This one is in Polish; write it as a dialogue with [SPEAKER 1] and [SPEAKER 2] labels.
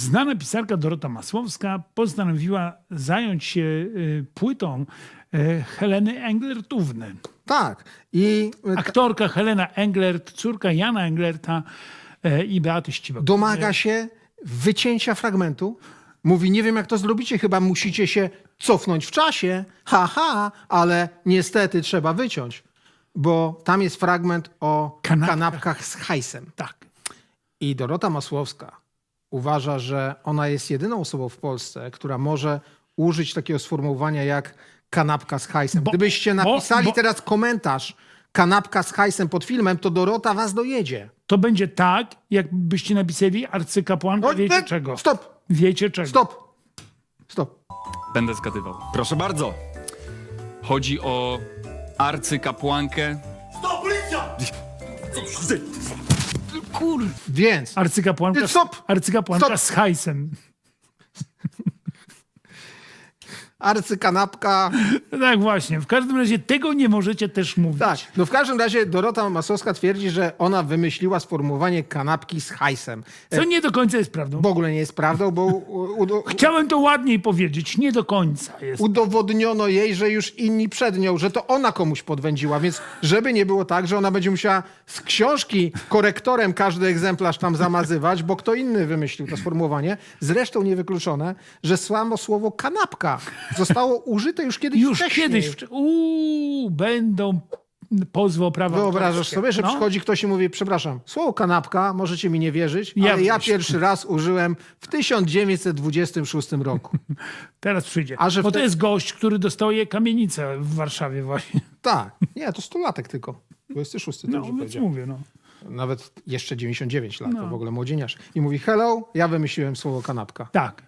[SPEAKER 1] znana pisarka Dorota Masłowska postanowiła zająć się płytą Heleny Englertówny.
[SPEAKER 2] Tak. I
[SPEAKER 1] Aktorka Helena Englert, córka Jana Englerta i Beaty Ścibek.
[SPEAKER 2] domaga się wycięcia fragmentu. Mówi, nie wiem jak to zrobicie, chyba musicie się cofnąć w czasie. Ale niestety trzeba wyciąć. Bo tam jest fragment o kanapkach z hajsem.
[SPEAKER 1] Tak.
[SPEAKER 2] I Dorota Masłowska uważa, że ona jest jedyną osobą w Polsce, która może użyć takiego sformułowania jak kanapka z hajsem. Gdybyście napisali teraz komentarz kanapka z hajsem pod filmem, to Dorota was dojedzie.
[SPEAKER 1] To będzie tak, jakbyście napisali arcykapłanka, wiecie czego.
[SPEAKER 2] Stop,
[SPEAKER 1] Wiecie czego.
[SPEAKER 2] stop.
[SPEAKER 3] Będę zgadywał.
[SPEAKER 4] Proszę bardzo.
[SPEAKER 3] Chodzi o arcykapłankę.
[SPEAKER 2] Więc
[SPEAKER 1] Arcykapłanka,
[SPEAKER 2] Stop!
[SPEAKER 1] arcykapłanka
[SPEAKER 2] Stop!
[SPEAKER 1] z hajsem.
[SPEAKER 2] arcykanapka...
[SPEAKER 1] Tak właśnie. W każdym razie tego nie możecie też mówić.
[SPEAKER 2] Tak, no w każdym razie Dorota Masłowska twierdzi, że ona wymyśliła sformułowanie kanapki z hajsem.
[SPEAKER 1] Co nie do końca jest prawdą.
[SPEAKER 2] W ogóle nie jest prawdą, bo
[SPEAKER 1] Chciałem to ładniej powiedzieć. Nie do końca jest.
[SPEAKER 2] udowodniono jej, że już inni przed nią, że to ona komuś podwędziła, więc żeby nie było tak, że ona będzie musiała z książki korektorem każdy egzemplarz tam zamazywać, bo kto inny wymyślił to sformułowanie. Zresztą niewykluczone, że samo słowo kanapka zostało użyte już kiedyś wcześniej.
[SPEAKER 1] Będą pozwy o prawa
[SPEAKER 2] Wyobrażasz
[SPEAKER 1] autorskie.
[SPEAKER 2] sobie, że
[SPEAKER 1] No.
[SPEAKER 2] przychodzi ktoś i mówi, przepraszam, słowo kanapka, możecie mi nie wierzyć,
[SPEAKER 1] Ja
[SPEAKER 2] ale ja
[SPEAKER 1] wierzę.
[SPEAKER 2] pierwszy raz użyłem w 1926 roku.
[SPEAKER 1] Teraz przyjdzie.
[SPEAKER 2] A że
[SPEAKER 1] Bo
[SPEAKER 2] w
[SPEAKER 1] to
[SPEAKER 2] te-
[SPEAKER 1] jest gość, który dostaje kamienicę w Warszawie właśnie.
[SPEAKER 2] Tak, nie, to 100-latek tylko. 26,
[SPEAKER 1] No,
[SPEAKER 2] dobrze
[SPEAKER 1] więc
[SPEAKER 2] powiedziałem.
[SPEAKER 1] mówię, no.
[SPEAKER 2] Nawet jeszcze 99 lat, to w ogóle młodzieniarz. I mówi, hello, ja wymyśliłem słowo kanapka.
[SPEAKER 1] Tak.